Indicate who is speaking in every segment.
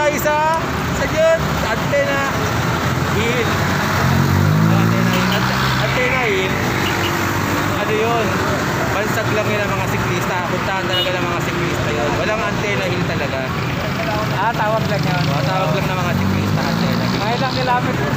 Speaker 1: tayo sa jet. Antena Hill. Antena Hill. Ano yun? Bansag lang yun ang mga siklista. Puntahan talaga ng mga siklista yun. Walang Antena Hill talaga.
Speaker 2: Tawag lang yun.
Speaker 1: Tawag lang ng mga siklista. Antena Hill.
Speaker 2: Mga ilang kilometer?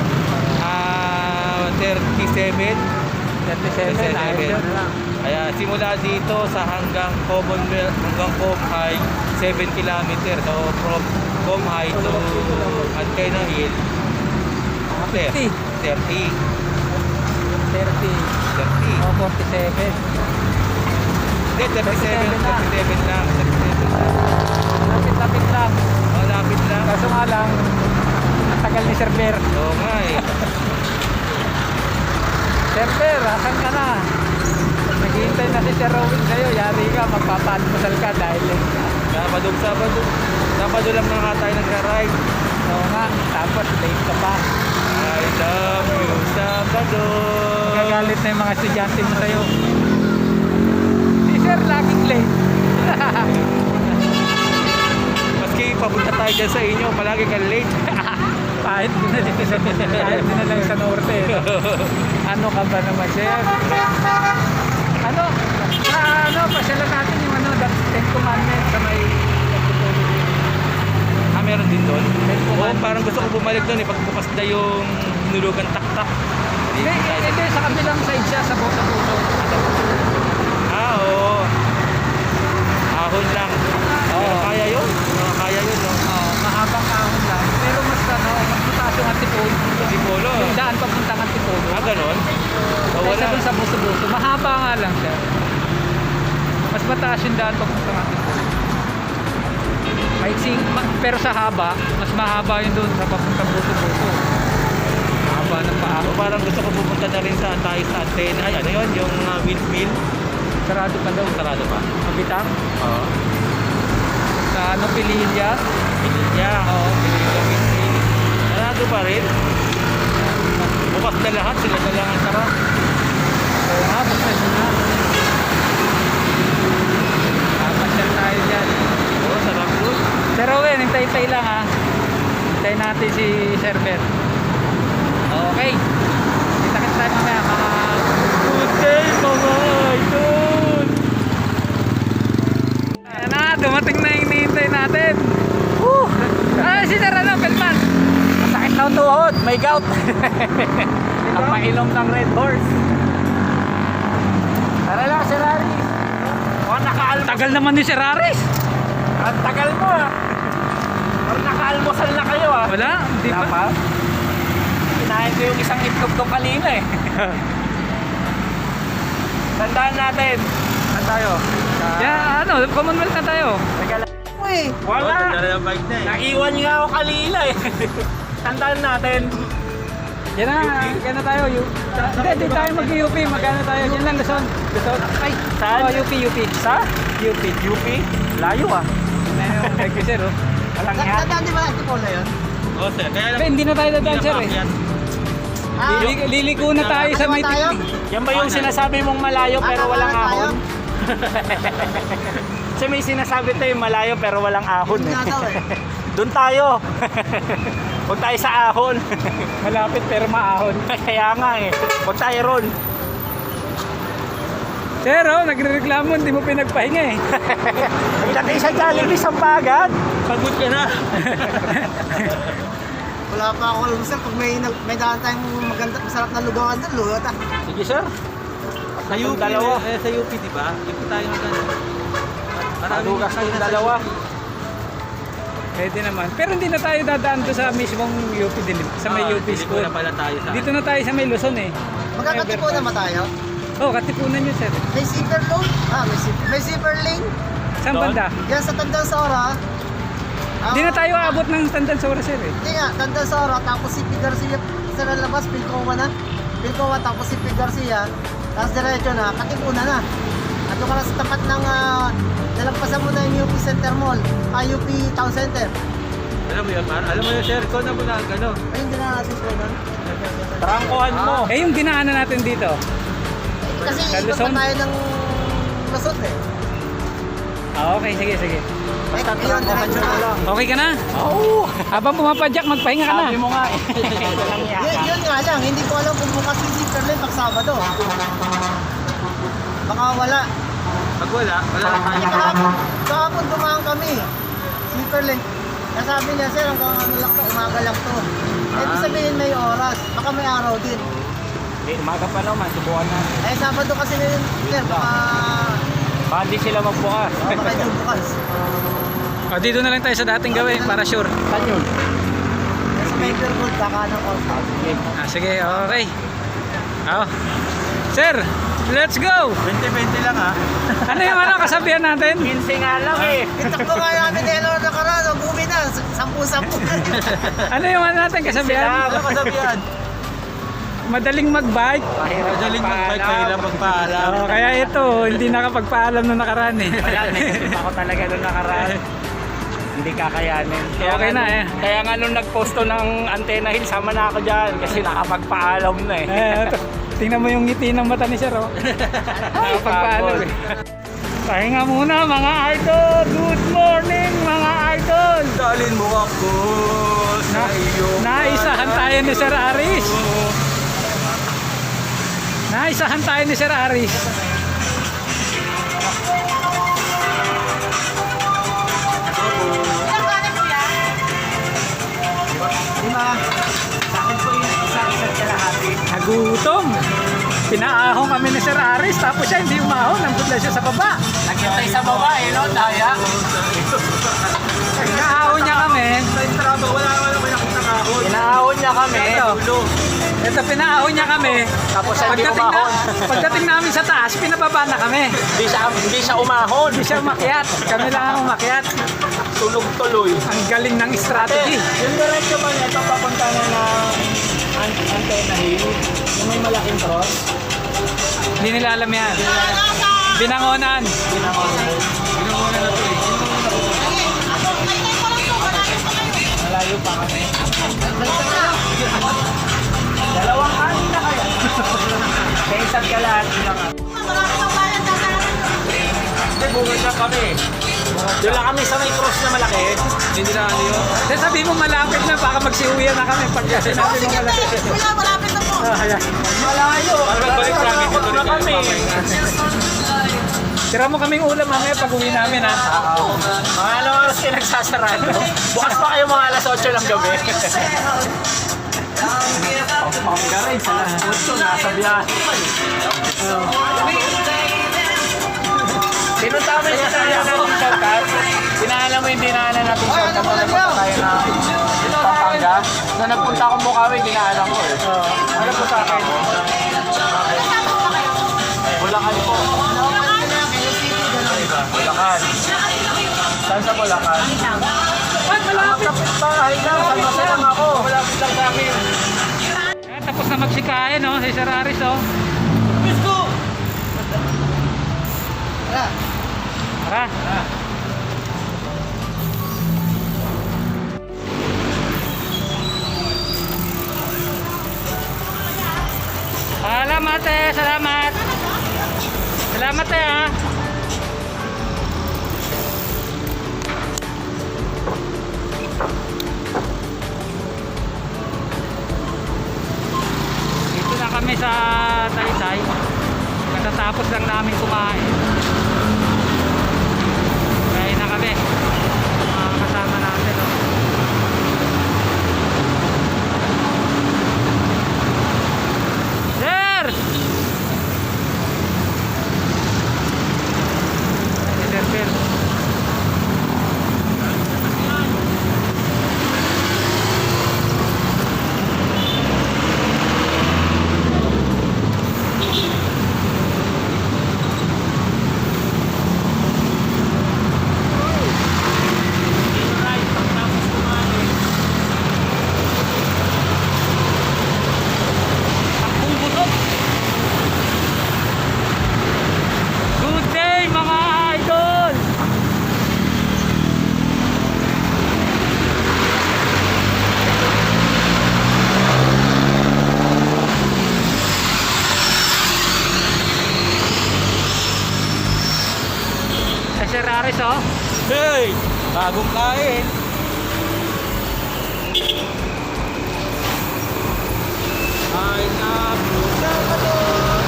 Speaker 1: 37.
Speaker 2: 37. Ayun lang.
Speaker 1: Kaya simula dito sa hanggang Commonwealth, hanggang Comhigh, 7 kilometer. So from Comhigh to Antena Hill, 30.
Speaker 2: 30.
Speaker 1: 30.
Speaker 2: O 47.
Speaker 1: Hindi, 37 lang. 37 lang.
Speaker 2: Lapit-lapit lang.
Speaker 1: Oh, lapit lang.
Speaker 2: Kaso nga lang, ang tagal ni Sir Bear.
Speaker 1: Oo nga eh.
Speaker 2: Sir Bear, asan ka na? Naghihintay na si Sir Rowing sa'yo. Yari ka, magpapalmusal ka dahil
Speaker 1: Sabado lang na nga tayo nagra-ride.
Speaker 2: oo nga, tapos late ka pa.
Speaker 1: I love you, Sabado.
Speaker 2: Gagalit na yung mga estudyante mo sa'yo. Si Sir laging late.
Speaker 1: Maski papunta tayo dyan sa inyo, palagi ka late.
Speaker 2: Kahit din na lang sa norte. Ano ka ba naman, Sir? Pasyalan natin yung Ten Commandments sa may
Speaker 1: Meron din doon?
Speaker 2: Ten
Speaker 1: Oo,
Speaker 2: Commandments.
Speaker 1: parang gusto ko bumalik doon eh, pagbukas na yung nulugan tak-tak.
Speaker 2: Hindi, sa kabilang side siya, sa puso.
Speaker 1: Oo. Ahon lang. Pero kaya yun? Kaya yun, no?
Speaker 2: Mahabang kahon lang. Pero mas mataas yung Antipolo.
Speaker 1: Antipolo?
Speaker 2: Yung daan papuntang Antipolo.
Speaker 1: Ganon?
Speaker 2: Kaysa dun sa buso-buso. Mahaba nga lang siya. Mas mataas yung daan papuntang Antipolo. Pero sa haba, mas mahaba yun doon sa papuntang buso-buso. Mahaba ng paa.
Speaker 1: O parang gusto ko pupunta na rin tayo sa antena. Ay, ano yun? Yung windmill?
Speaker 2: Sarado pa daw.
Speaker 1: Sarado pa?
Speaker 2: Mabitang?
Speaker 1: Oo.
Speaker 2: Sa Pililya?
Speaker 1: Pililya? Oo, Pililya windmill. Sarado pa rin? Bukas na lahat, sila na lang ang sarap.
Speaker 2: Oo nga, bukas na. Papasyal tayo dyan.
Speaker 1: Oo, sarap doon.
Speaker 2: Sir Owen, hintay-hintay lang ha. Hintayin natin si Sir Ben. Okay. Kita-kita tayo mamaya mga
Speaker 1: Good day, mga idol!
Speaker 2: ayan na, dumating na yung hinihintay natin. Woo! Si Sir Pelman. Masakit na ang tuhod, may gout. Ang painom ng Red Horse. Tara lang, Sir Aris. Tagal naman ni Sir Aris.
Speaker 1: Ang tagal mo ah! Parang nakaalmusal na kayo ah!
Speaker 2: Wala, hindi pa.
Speaker 1: Kinain ko yung isang itlog ko kanina eh. Tandaan natin. Saan tayo?
Speaker 2: Commonwealth na tayo.
Speaker 1: Uy! Wala! Naiwan nga ako kanina eh. Tandaan natin.
Speaker 2: Yan na tayo. Hindi tayo mag-UP. Magkano tayo? Yan lang, Luzon. Ay,
Speaker 1: saan?
Speaker 2: UP. Sa? UP.
Speaker 1: UP? Layo ah.
Speaker 2: Thank you, Sir.
Speaker 1: Walang yan.
Speaker 3: Tandaan di ba Antipolo yun?
Speaker 1: Oo sir. Kaya lang.
Speaker 2: Hindi na tayo dadaan, Sir eh. Liliko na tayo sa may
Speaker 3: tayo?
Speaker 1: Yan ba yung sinasabi mong malayo pero walang ahon? Kasi may sinasabi tayo malayo pero walang ahon eh. Doon tayo. Huwag tayo sa ahon.
Speaker 2: Malapit pero maahon.
Speaker 1: Kaya nga eh. Huwag tayo ron.
Speaker 2: Sir, nagre-reklamo, hindi mo pinagpahinga eh.
Speaker 1: Nagtatay sa Jollibee sa Pagat. Pagod ka na.
Speaker 3: Wala pa ako alam sir, pag may daan tayong maganda, masarap na lugawan doon, lugaw ta.
Speaker 1: Sige sir. Sa UP, dalawa. Sa UP di ba? UP tayo maganda. Malugas kayong dalawa.
Speaker 2: Pwede naman. Pero hindi na tayo dadaan doon sa mismong UP din. Sa may UP school.
Speaker 1: Na pala tayo sa.
Speaker 2: Dito na tayo sa may Luzon eh.
Speaker 3: Magkakatipo naman tayo.
Speaker 2: Katipunan yun, Sir.
Speaker 3: May zipper load? May zipper lane?
Speaker 2: Saan
Speaker 1: Doon?
Speaker 2: banda?
Speaker 3: Yan sa Tandang Sora.
Speaker 2: Hindi na tayo aabot ng Tandang Sora, Sir eh.
Speaker 3: Hindi nga, Tandang Sora, tapos si P. Garcia sa labas, Pilcoa na. Pilcoa, tapos si P. Garcia, tapos diretso na, Katipunan na. Ato ka na sa tapat ng, nalagpasan mo na yung UP Center Mall, UP Town Center.
Speaker 1: Alam mo yun, Alam mo yun, sir, ikaw na muna ang gano'n.
Speaker 3: Ayun din na natin ko nun.
Speaker 1: Trangkuhan mo.
Speaker 2: Yung dinaanan natin dito.
Speaker 3: Kasi
Speaker 2: Sa
Speaker 3: iba pa
Speaker 2: Luzon?
Speaker 3: tayo ng Luzon eh.
Speaker 2: Okay, sige.
Speaker 3: Yun, diretso na.
Speaker 2: Okay ka na? Oo. Habang pumapadyak, magpahinga ka na.
Speaker 1: Sabi mo nga eh.
Speaker 3: Yun nga lang, hindi ko alam kung bukas yung zipper lane pag Sabado. Baka wala.
Speaker 1: Pag wala na tayo.
Speaker 3: Kahapon dumaan kami. Zipper lane. Nasabi niya, sir, hanggang ano lang to, umaga lang to. Ibig sabihin may oras, baka may araw din.
Speaker 1: Umaga pa naman, subukan na.
Speaker 3: Eh, Sabado kasi na yun, sir, baka
Speaker 1: Hindi sila magbukas.
Speaker 3: baka yung bukas.
Speaker 2: O, dito na lang tayo sa dating gawin para sure.
Speaker 1: Saan yun?
Speaker 3: Sa paper gold, baka ng outbound.
Speaker 2: Sige, okay. Sir, let's go!
Speaker 1: 20-20 lang ha.
Speaker 2: Ano yung kasabihan natin?
Speaker 1: 15 nga lang eh.
Speaker 3: Itakbo nga namin ni Elor na karano, bumi na, 10-10.
Speaker 2: Ano yung natin kasabihan?
Speaker 1: Ano kasabihan?
Speaker 2: Madaling mag-bike.
Speaker 1: Madaling mag-bike, mahirap magpaalam.
Speaker 2: Kaya ito, hindi nakapagpaalam nung nakaraan eh.
Speaker 1: Wala, naisip ako talaga nung nakaraan. Hindi kakayanin.
Speaker 2: Okay na eh.
Speaker 1: Kaya nga nung nag-posto ng Antenna Hill, sama na ako dyan kasi nakapagpaalam na eh.
Speaker 2: Ito, tingnan mo yung ngiti ng mata ni Sir, oh. Nakapagpaalam eh. Pahinga muna mga idol. Good morning mga idol.
Speaker 1: Dalin mo ako sa iyo.
Speaker 2: Naisahan tayo ni Sir Aris. Naisahan tayo ni Sir Aris.
Speaker 3: Lima. Sa akin po yung isa-isa't kalahati.
Speaker 2: Nagutom. Pinaahon kami ni Sir Aris, tapos siya hindi umahon. Nandun lang siya sa baba.
Speaker 1: Nagkitay sa baba eh, no? Daya.
Speaker 2: Pinaahon niya kami.
Speaker 1: Sa Strabo, wala may nakita kahon. Inaahon niya kami.
Speaker 2: Ito, pinaahon niya kami.
Speaker 1: Tapos siya hindi umahon.
Speaker 2: Pagdating namin sa taas, pinababa na kami.
Speaker 1: Hindi siya umahon.
Speaker 2: Hindi siya umakyat. Kami lang ang umakyat.
Speaker 1: Tunog tuloy.
Speaker 2: Ang galing ng strategy.
Speaker 1: Yung diretso ba nito papunta na ng Antenna Hill? Yung may malaking cross?
Speaker 2: Hindi nila alam yan. Binangonan.
Speaker 1: Binangonan na ito eh. Malayo pa kami. Dalawang kanin na kaya. Sa isang kalahati lang. Hindi, bugod na kami. Doon lang kami sa may cross na malaki. Hindi na ano yun.
Speaker 2: Then sabi mo malapit na, baka magsiuwian na kami pag sinabi mo malapit.
Speaker 3: Malapit na po.
Speaker 2: Ayan.
Speaker 1: Malayo. Balik namin. Dito na kami.
Speaker 2: Tira mo kaming ulam mamaya pag uwi namin ha.
Speaker 1: Mga anong oras kayo nagsasarado? Bukas pa kayo mga alas 8 ng gabi. Panggaray sa alas 8, nasa biyahe pa eh. Pinunta mo yung sasaya natin shortcut. Pinaalam mo yung dinaanan natin shortcut na nagpunta tayo na Pampanga. Na nagpunta akong Bukawi, dinaanan ko eh. Ano po sa akin? Bulacan po. Bulacan. Saan sa Bulacan? Malapit bahay lang. Salmasa lang ako. Malapit lang sa amin.
Speaker 2: Ayan, tapos na magsikain no, si Sir Aris oh.
Speaker 1: Let's go!
Speaker 3: Tara.
Speaker 2: Tara. Salamat eh, salamat. Salamat eh ha. Dito na kami sa Taytay. Katatapos lang namin kumain. Kain na kami. Mga kasama natin. Oh. Sir! Sir Phil. Good day mga idol! Sir Aris oh.
Speaker 1: Hey!
Speaker 2: Bagong kain. Kain na pusa pa doon.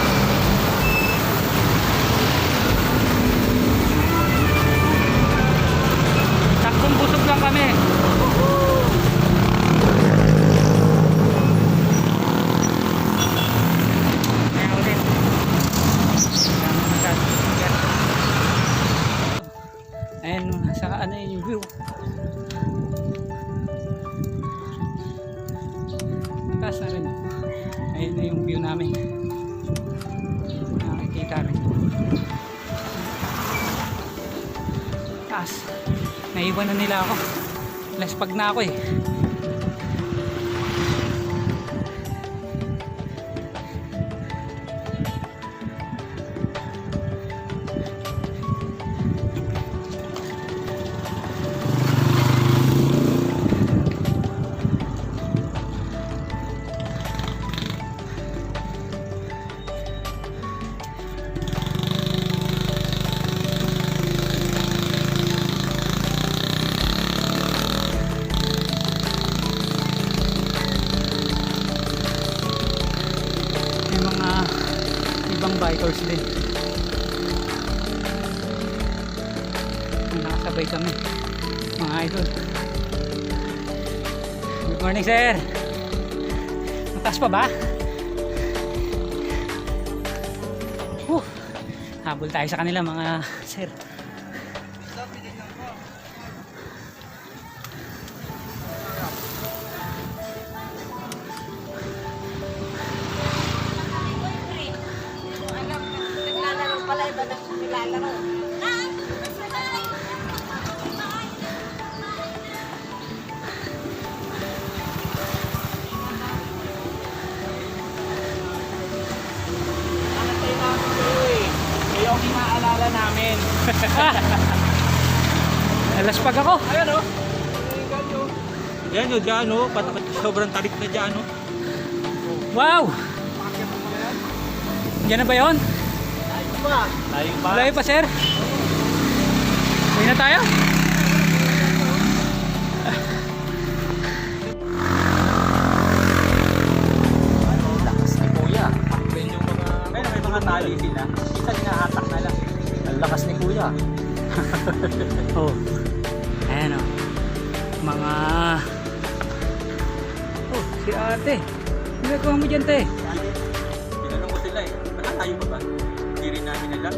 Speaker 2: Saktong busog lang kami. Ayan ulit. Ayan, nasa ano yun yung view. Taas na rin. Ayan na yung view namin. Nakikita rin. Taas. Naiwan na nila ako. Laspag na ako eh. May mga ibang bikers din. Nakasabay kami, mga idol. Good morning, sir. Mataas pa ba? Habol tayo sa kanila, mga sir.
Speaker 4: Naglalaro pala, iba na nilalaro.
Speaker 1: Nakatay namin kayo eh. Kayo ang inaalala namin.
Speaker 2: Laspag ako.
Speaker 1: Ayan o.
Speaker 5: Yan o, dyan o. Sobrang tarik na dyan o.
Speaker 2: Wow! Yan na ba yun?
Speaker 1: Layo ba?
Speaker 2: Malayo pa, sir? Uwi na tayo?
Speaker 1: Lakas ni Kuya.
Speaker 5: Yan yung mga... May mga tali sila. Isa hinahatak na lang.
Speaker 1: Ang lakas ni Kuya.
Speaker 2: Oh. Ayan o. Mga... Oh, si ate. Ginagawa mo dyan, te?
Speaker 5: Tinanong ko sila eh. Nakatayo mo ba? Hindi rin namin alam.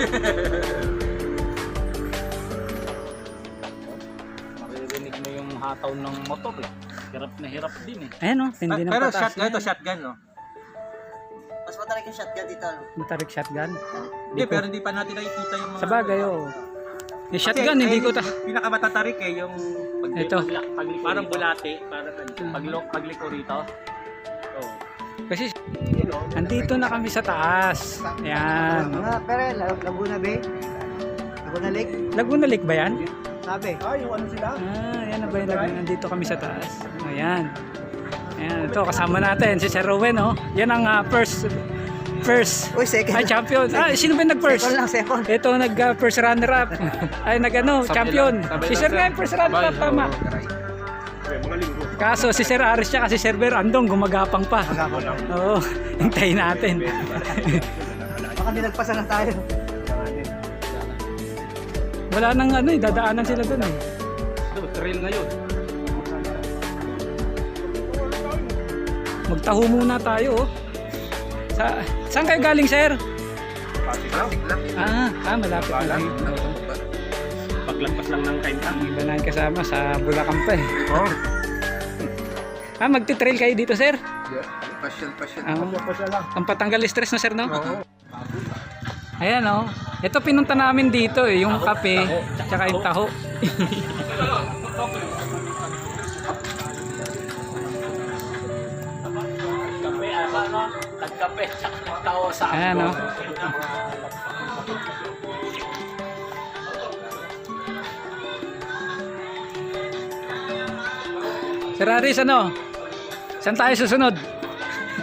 Speaker 1: Maririnig mo yung hataw ng motor eh. Hirap na hirap din eh.
Speaker 2: Ayan o, tindi ng
Speaker 5: Pero
Speaker 2: patas.
Speaker 5: shotgun, ito shotgun no?
Speaker 3: Mas matarik yung shotgun dito. Ano?
Speaker 2: Matarik shotgun.
Speaker 5: Hindi, pero hindi pa natin nakikita yung mga...
Speaker 2: Sa bagay, oh. Yung
Speaker 5: Kasi,
Speaker 2: shotgun, hindi ko ta...
Speaker 5: Pinakamatatarik eh, yung...
Speaker 2: Ito.
Speaker 5: Parang bulate. Parang
Speaker 1: Pagliko rito. Oh.
Speaker 2: Kasi, andito na kami sa taas. Ayan.
Speaker 3: Mga pere, Laguna Bay. Laguna Lake.
Speaker 2: Laguna Lake ba yan?
Speaker 3: Sabi.
Speaker 1: Yung ano sila?
Speaker 2: Ah, yan na ba yung Laguna? Nandito kami sa taas. Ayan. Ayan, ito kasama natin si Sir Rowen, oh. Yan ang first
Speaker 3: Uy, second.
Speaker 2: ay champion. Ah, sino ba yung nag-first?
Speaker 3: Second lang, second.
Speaker 2: Ito first runner up. Ay nag-ano, champion. Si Sir nga yung first runner up, tama. Kaso si Sir Aris siya kasi si Sir Ber andong gumagapang pa. Oo, hintayin natin.
Speaker 3: Baka nilagpasan na tayo.
Speaker 2: Wala nang ano eh, dadaanan sila doon eh.
Speaker 1: Trail na yun.
Speaker 2: Magtaho muna tayo, oh. Saan kayo galing, sir? Malapit na lang.
Speaker 1: Paglagpas lang ng kaintang.
Speaker 2: Iba na ang kasama sa Bulacan pa eh. Magti-trail kayo dito, sir?
Speaker 5: Pasyon.
Speaker 2: Ang patanggal stress na, sir, no? Ayan, oh. Ito pinunta namin dito eh, yung kape, tsaka yung taho.
Speaker 1: Kape, ano? Tagkape, tsaka tao sa
Speaker 2: Ayan, oh. Sir Aris, ano? Saan tayo susunod?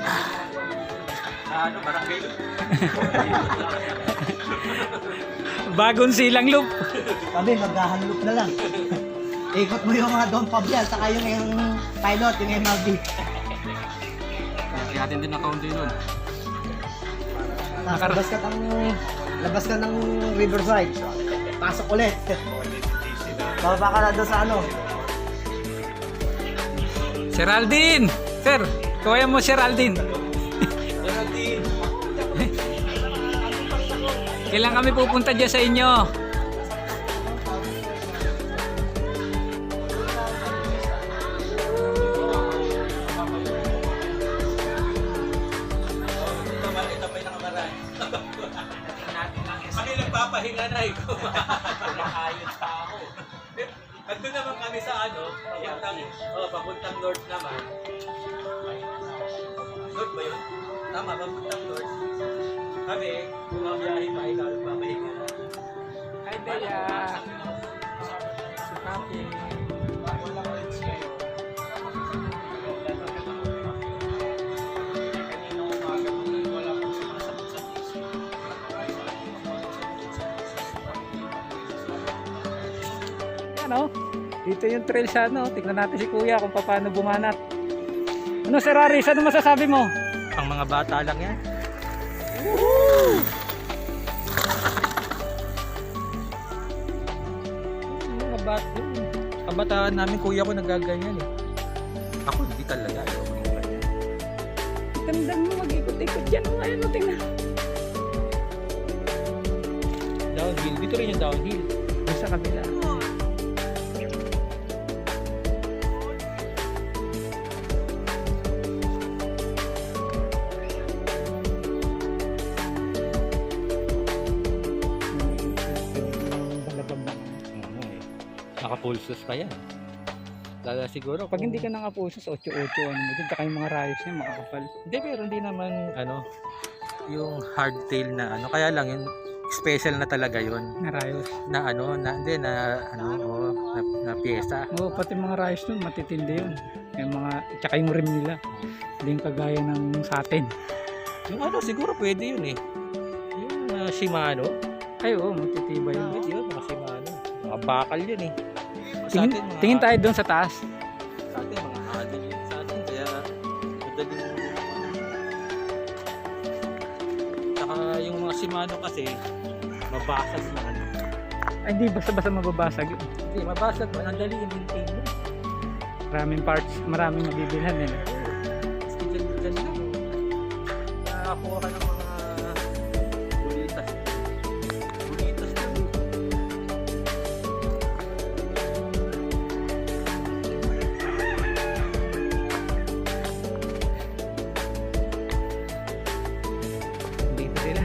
Speaker 5: Ano, barangay.
Speaker 2: Bagong silang loop.
Speaker 3: Kami, maghahanlop na lang. Ikot mo yung mga Don Fabian, saka yung pilot, yung MLB.
Speaker 1: Natin din ang kaunti nun.
Speaker 3: Labas ka ng Riverside. Pasok ulit. Baba ka na doon sa ano.
Speaker 2: Geraldine! Sir, kuya mo Geraldine. Kailan kami pupunta dyan sa inyo?
Speaker 5: Kami nagpapahinga na eh. Kumakayod pa ako. Nandun naman kami sa papuntang north naman. North ba yun? Tama, papuntang north. Kami, bumabiyahe pa, ikaw nagpapahinga na.
Speaker 2: Hi, Bea. Si Papi. Ano? Dito yung trail sa ano. Tignan natin si Kuya kung paano bumanat. Ano, Sir Aris? Ano masasabi mo?
Speaker 5: Ang mga bata lang yan. Mga bata. Kabataan namin, kuya ko nagaganyan eh. Ako hindi talaga. Ayaw ko ng ganyan.
Speaker 2: Ganda mo, mag-ikot-ikot dyan. Ayun mo, tingnan.
Speaker 5: Downhill. Dito rin yung downhill.
Speaker 2: Doon sa kabila.
Speaker 5: Naka-pulsos pa yan. Lala siguro.
Speaker 2: Pag hindi ka nakapusos, 8-8, ano mo dyan, tsaka yung mga rayos niya makakapal.
Speaker 5: Hindi, pero hindi naman yung hardtail na kaya lang yun special na talaga yun
Speaker 2: Na rayos.
Speaker 5: na na piyesa.
Speaker 2: Oo, pati mga rayos nun, matitindi yun. Yung mga, tsaka yung rim nila. Hindi yung kagaya ng sa atin.
Speaker 5: Yung siguro pwede yun eh. Yung Shimano.
Speaker 2: Ay, oo, matitibay yun.
Speaker 5: Pwede yun, mga Shimano. Mga bakal yun eh.
Speaker 2: Tingin tayo doon sa taas.
Speaker 5: Sa atin, mga adil yun sa atin. Kaya, madaling saka yung mga Shimano kasi, mabasag na
Speaker 2: Ay, hindi basta-basta mababasag yun.
Speaker 5: Hindi, mabasag man. Ang dali i-maintain mo.
Speaker 2: Maraming parts, maraming mabibilhan nila.
Speaker 5: Kasi dyan lang. Nakakuha ka ng mga bulitas. Bulitas lang.
Speaker 2: Dito sila.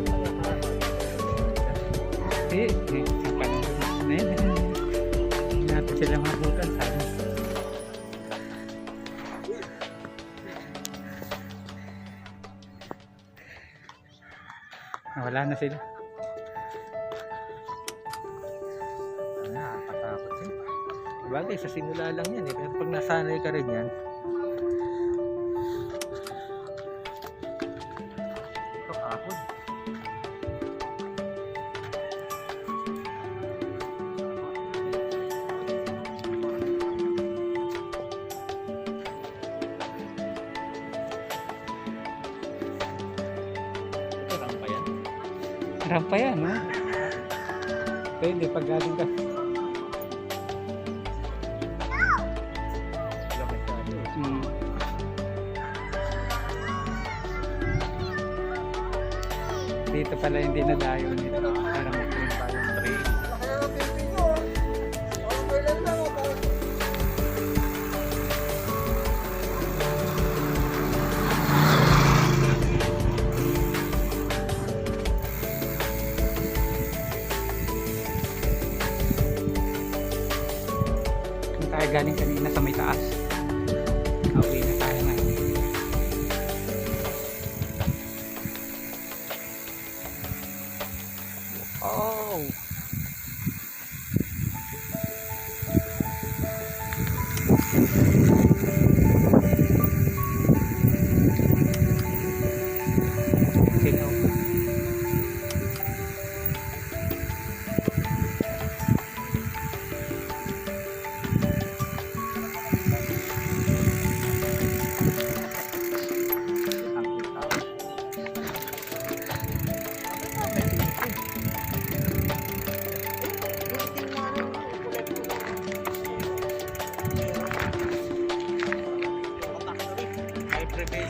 Speaker 2: Ang panahon na yun. Hindi natin sila mabutan. Sana. Wala na sila.
Speaker 5: Nakakatakot yun. Bagay, sa simula lang yan eh. Pero pag nasanay ka rin yan, ito kahon. Ito rampa yan.
Speaker 2: Rampa yan, ha? Pwede, pag galing ka. Hmm. Dito pala hindi nadayo nito. Para magpunta yung trail. Kung tayo galing kanina sa may taas. Uwi na tayo na. Oh! Sino?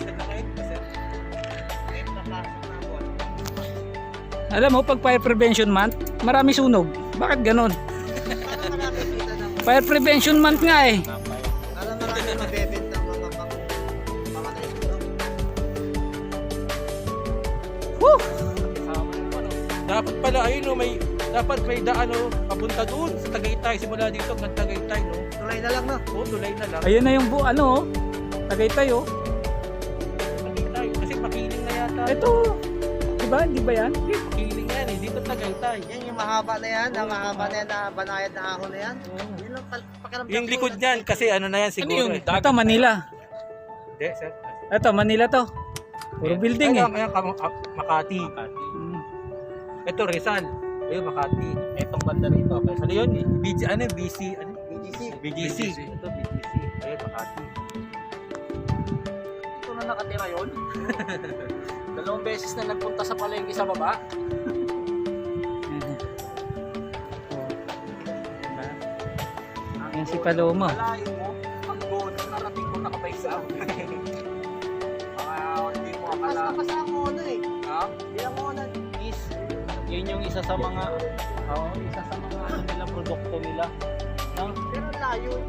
Speaker 2: Alam mo, pag fire prevention month, marami sunog. Bakit ganon?
Speaker 3: Para marami kita ng...
Speaker 2: Fire prevention month nga eh.
Speaker 3: Para marami mabebet ng mga mga naisunog.
Speaker 2: Woo!
Speaker 5: Dapat pala, ayun no, dapat may daan no, papunta doon sa Tagaytay. Simula dito hanggang Tagaytay, no?
Speaker 3: Tulay na lang, no?
Speaker 5: Oo, tulay na lang.
Speaker 2: Ayun na yung ano oh. Tagaytay oh.
Speaker 5: Tagaytay. Kasi makiling na yata.
Speaker 2: Ito. Diba? Hindi ba yan?
Speaker 5: Makiling yan eh. Dito Tagaytay.
Speaker 3: Yan yung mahaba na yan, ang mahaba na yan, na banayad na ahon na yan. Yun lang pakiramdam
Speaker 5: Yung
Speaker 3: ko
Speaker 5: likod
Speaker 3: na-
Speaker 5: niyan, kasi ano na yan siguro. Ano yun? Eh.
Speaker 2: Ito, Manila.
Speaker 5: Hindi, sir.
Speaker 2: Ito, Manila to. Puro building eh.
Speaker 5: Ayan, Makati.
Speaker 2: Mm.
Speaker 5: Ito, Rizal. Ayun, Makati. Itong banda rito. Ano yun? BC, ano?
Speaker 3: BGC.
Speaker 5: BGC. Ito, BGC. Ayun, Makati.
Speaker 1: Dito na nakatira yun. Dalawang beses na nagpunta sa palengke sa baba.
Speaker 2: Yan si Paloma.
Speaker 1: Malayo mo, pag doon, narating ko nakabay sa akin. Mga hindi mo
Speaker 3: Mas
Speaker 1: akala.
Speaker 3: napasa ako ano eh.
Speaker 1: Ha?
Speaker 3: Hindi ako ano.
Speaker 1: Is, yun yung isa sa mga, isa sa mga ano nila, produkto nila. No?
Speaker 3: Pero layo.